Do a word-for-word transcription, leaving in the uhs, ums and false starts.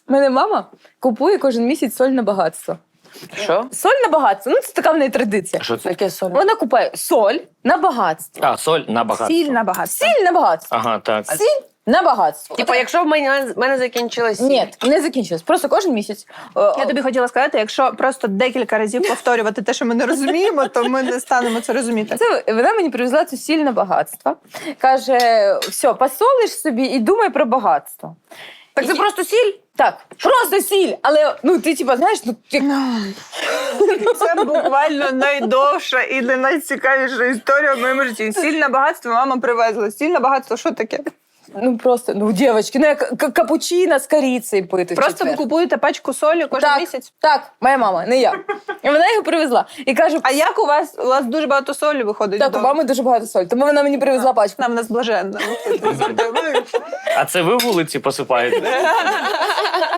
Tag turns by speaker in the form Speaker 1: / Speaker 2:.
Speaker 1: мене мама купує кожен місяць соль на багатство.
Speaker 2: Що?
Speaker 1: Соль на багатство. Ну, це така в неї традиція.
Speaker 3: Що це?
Speaker 2: Яке соль?
Speaker 1: Вона купує соль на багатство.
Speaker 3: А, соль на багатство.
Speaker 4: Сіль на багатство.
Speaker 1: Сіль на багатство.
Speaker 3: Ага, так.
Speaker 1: Сіль на багатство.
Speaker 2: Типа, якщо в мене, в мене закінчилась сіль.
Speaker 1: Ні, не закінчилось. Просто кожен місяць.
Speaker 4: Я тобі хотіла сказати, якщо просто декілька разів повторювати те, що ми не розуміємо, то ми не станемо це розуміти.
Speaker 1: Це вона мені привезла цю сіль на багатство. Каже: все, посолиш собі і думай про багатство.
Speaker 2: Так це
Speaker 1: І-
Speaker 2: просто сіль?
Speaker 1: Так, просто сіль, але ну ти типа знаєш, ну як...
Speaker 4: Це буквально найдовша і не найцікавіша історія в моєму житті. Сільне багатство мама привезла. Сільне багатство, що таке?
Speaker 1: ну просто ну дівчатки, ну як к- капучино з корицею пити. в
Speaker 4: Просто ви
Speaker 1: четвер.
Speaker 4: купуєте пачку солі кожен
Speaker 1: так,
Speaker 4: місяць?
Speaker 1: Так, моя мама, не я. І вона його привезла. І каже:
Speaker 4: А як у вас? У вас дуже багато солі виходить?
Speaker 1: так, у
Speaker 4: вдома?
Speaker 1: мами дуже багато солі, тому вона мені привезла пачку.
Speaker 4: Нам нас блаженна.
Speaker 3: А це ви вулиці посипаєте?